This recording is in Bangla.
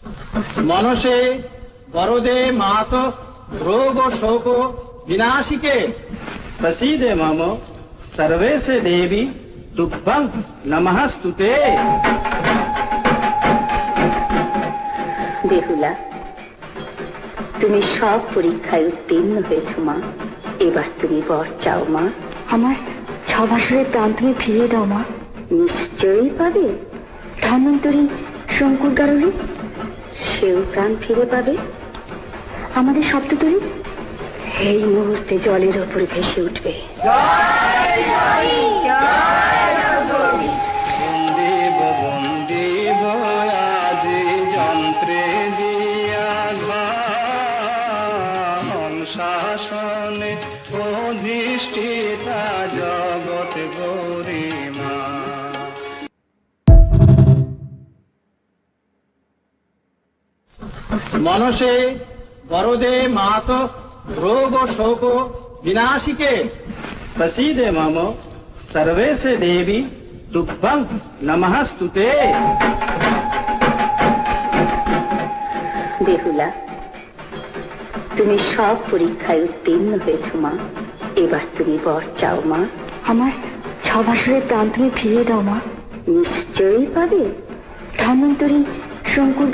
मनसे वरदे मातो रोग शोक विनाशिके प्रसीदे मम सर्वेशे देवी तुभ्यं नमस्तुते। বেহুলা, তুমি সব পরীক্ষায় উত্তীর্ণ হয়েছ মা। এবার তুমি বর চাও মা। আমার 6 বছরের প্রাণ তুমি ফিরিয়ে দাও মা। নিশ্চয়ই পাবে। ধন্বন্তরী শঙ্কুর কারণে সেও প্রাণ ফিরে পাবে। আমাদের সপ্ততরী এই মুহূর্তে জলের ওপরে ভেসে উঠবে। বন্দিব বন্দিব আজি যন্ত্রে দিয়া শাসনে অধিষ্ঠিতা জগৎ গরিমা। मनसे वरदे मातो रोग शोक विनाशिके प्रसीदे मम सर्वेशे देवी तुभ्यं नमस्तुते। বেহুলা, তুমি সব পরীক্ষায় উত্তীর্ণ হয়েছ মা। এবার তুমি বর চাও মা। আমার 6 বছরের প্রাণ তুমি ফিরিয়ে দাও মা। নিশ্চয়ই পাবে। ধন্বন্তরী শঙ্কুর